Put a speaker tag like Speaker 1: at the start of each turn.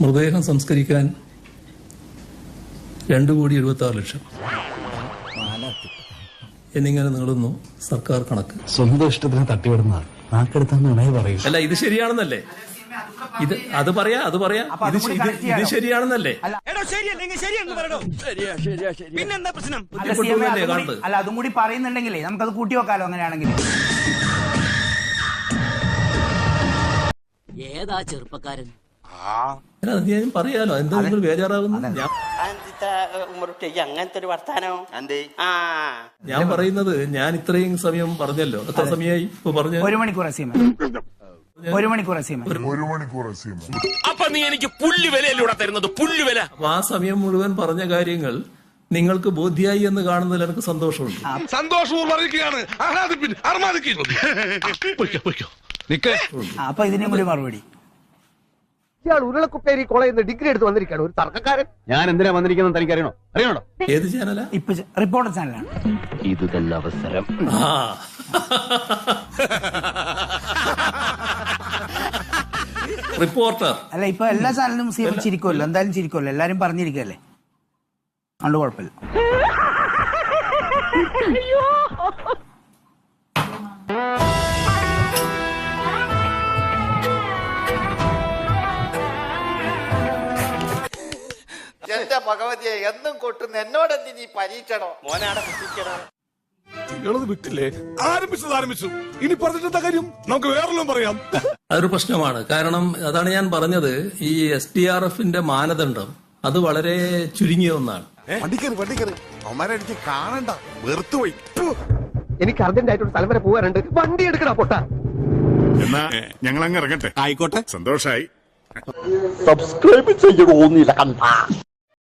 Speaker 1: മൃതദേഹം സംസ്കരിക്കാൻ 2,76,00,000 എന്നിങ്ങനെ നീളുന്നു സർക്കാർ കണക്ക്.
Speaker 2: സ്വന്തം ഇഷ്ടത്തിന് തട്ടിവിടുന്നതാണ് നാക്കെടുത്താന്ന് പറയൂ.
Speaker 1: അല്ല, ഇത് ശരിയാണെന്നല്ലേ? അത് പറയാ ഇത് ശരിയാണെന്നല്ലേ?
Speaker 3: അല്ല, അതും കൂടി പറയുന്നുണ്ടെങ്കിലേ നമുക്കത് കൂട്ടി വെക്കാലോ. അങ്ങനെയാണെങ്കിൽ
Speaker 4: ഏതാ ചെറുപ്പക്കാരൻ?
Speaker 1: ഞാൻ പറയാലോ, എന്താ നിങ്ങൾ ബേജാറാവുന്നു?
Speaker 4: അങ്ങനത്തെ ഒരു വർത്താനോ?
Speaker 1: ഞാൻ പറയുന്നത്, ഞാൻ ഇത്രയും സമയം പറഞ്ഞല്ലോ. എത്ര സമയമായി ഇപ്പൊ പറഞ്ഞു?
Speaker 3: 1 മണിക്കൂർ. 1 മണിക്കൂർ.
Speaker 5: അപ്പൊ നീ എനിക്ക് പുല്ലുവിലൂടെ തരുന്നത് പുല്ലുവില.
Speaker 1: അപ്പൊ ആ സമയം മുഴുവൻ പറഞ്ഞ കാര്യങ്ങൾ നിങ്ങൾക്ക് ബോധ്യായി എന്ന് കാണുന്നതിൽ എനിക്ക് സന്തോഷമുണ്ട്.
Speaker 3: അപ്പൊ ഇതിനും കൂടി മറുപടി.
Speaker 6: ഇയാൾ ഉരുളക്കുപ്പേരി കോളേജിൽ നിന്ന് ഡിഗ്രി എടുത്ത് വന്നിരിക്കുകയാണ്, ഒരു തർക്കക്കാരൻ.
Speaker 2: ഞാൻ എന്തിനാ വന്നിരിക്കുന്നത് തനിക്കറിയണോ? അറിയണോ?
Speaker 1: ഏത് ചാനലാ?
Speaker 3: ഇപ്പൊ റിപ്പോർട്ടർ ചാനലാണ്.
Speaker 2: ഇത് തന്നെ അവസരം.
Speaker 1: റിപ്പോർട്ടർ
Speaker 3: അല്ല, ഇപ്പൊ എല്ലാ ചാനലും ചിരിക്കുമല്ലോ, എന്തായാലും ചിരിക്കുമല്ലോ, എല്ലാരും പറഞ്ഞിരിക്കല്ലേ, അതുകൊണ്ട് കുഴപ്പമില്ല.
Speaker 7: എന്റെ ഭഗവതിയെ എന്നും കൊട്ടുന്ന എന്നോടെന്തി നീ പരീക്ഷണോ? മോനാടെ കുട്ടിക്കണോ?
Speaker 5: വിട്ടില്ലേ? ആരംഭിച്ചു. ഇനി പറഞ്ഞിട്ടെന്താ കാര്യം? നമുക്ക് വേറെല്ലാം പറയാം.
Speaker 1: അതൊരു പ്രശ്നമാണ്. കാരണം അതാണ് ഞാൻ പറഞ്ഞത്, ഈ SDRFന്റെ മാനദണ്ഡം അത് വളരെ ചുരുങ്ങിയ ഒന്നാണ്.
Speaker 8: അവന്മാരെ എനിക്ക് കാണണ്ട, വെറുത്തുപോയി.
Speaker 6: എനിക്ക് അർജന്റായിട്ടൊരു സ്ഥലം വരെ പോകാനുണ്ട്, വണ്ടി എടുക്കടാ പൊട്ട.
Speaker 8: എന്നാ ഞങ്ങൾ അങ്ങ് ഇറങ്ങട്ടെ.
Speaker 5: ആയിക്കോട്ടെ,
Speaker 8: സന്തോഷായി.
Speaker 6: സബ്സ്ക്രൈബ് ചെയ്യണോന്നില്ല കണ്ട.